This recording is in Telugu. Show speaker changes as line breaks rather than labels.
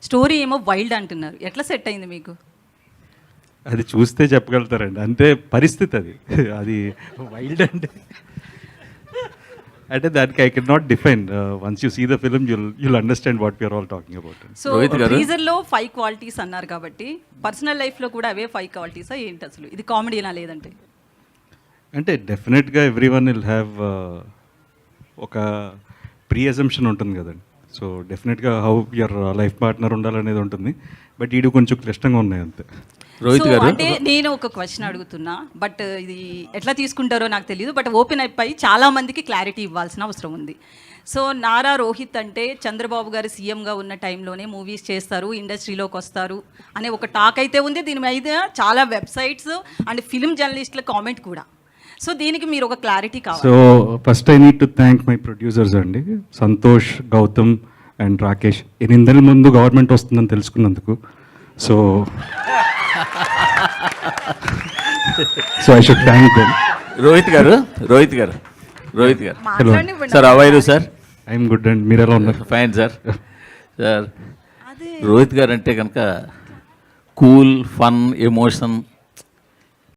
స్టోరీ ఏమో వైల్డ్ అంటున్నారు. ఎట్లా సెట్ అయింది మీకు?
అది చూస్తే చెప్పగలుగుతారండి, అంతే పరిస్థితి అది. అది వైల్డ్ అంటే దానికి I can not define. Once you see the film you'll understand what we're all talking about.
So టీజర్లో 5 క్వాలిటీస్ అన్నారు కాబట్టి పర్సనల్ లైఫ్లో కూడా అవే 5 క్వాలిటీసా ఏంటి అసలు? ఇది కామెడీనా లేదంటే?
అంటే డెఫినెట్గా ఎవ్రీ వన్ విల్ హ్యావ్ ఒక ప్రీ అజంప్షన్ ఉంటుంది కదండి. సో డెఫినెట్గా హౌ యువర్ లైఫ్ పార్ట్నర్ ఉండాలనేది ఉంటుంది. బట్ ఈడు కొంచెం క్లిష్టంగా ఉన్నాయి అంతే.
రోహిత్ గారు,
అంటే నేను ఒక క్వశ్చన్ అడుగుతున్నా, బట్ ఇది ఎట్లా తీసుకుంటారో నాకు తెలియదు. బట్ ఓపెన్ అయిపోయి చాలా మందికి క్లారిటీ ఇవ్వాల్సిన అవసరం ఉంది. సో నారా రోహిత్ అంటే చంద్రబాబు గారు సీఎంగా ఉన్న టైంలోనే మూవీస్ చేస్తారు, ఇండస్ట్రీలోకి వస్తారు అనే ఒక టాక్ అయితే ఉంది. దీని మీద చాలా వెబ్సైట్స్ అండ్ ఫిలిం జర్నలిస్టుల కామెంట్ కూడా. సో దీనికి మీరు ఒక క్లారిటీ కావాలి.
So first I need to thank my producers అండి, సంతోష్, గౌతమ్ అండ్ రాకేష్. 8 నెలల ముందు గవర్నమెంట్ వస్తుందని తెలుసుకున్నందుకు. So I should thank them.
Rohit గారు sir, how are you sir?
I'm good and మీరు ఎలా ఉన్నారు?
Fine sir. సార్, రోహిత్ గారు అంటే కనుక కూల్, ఫన్, ఎమోషన్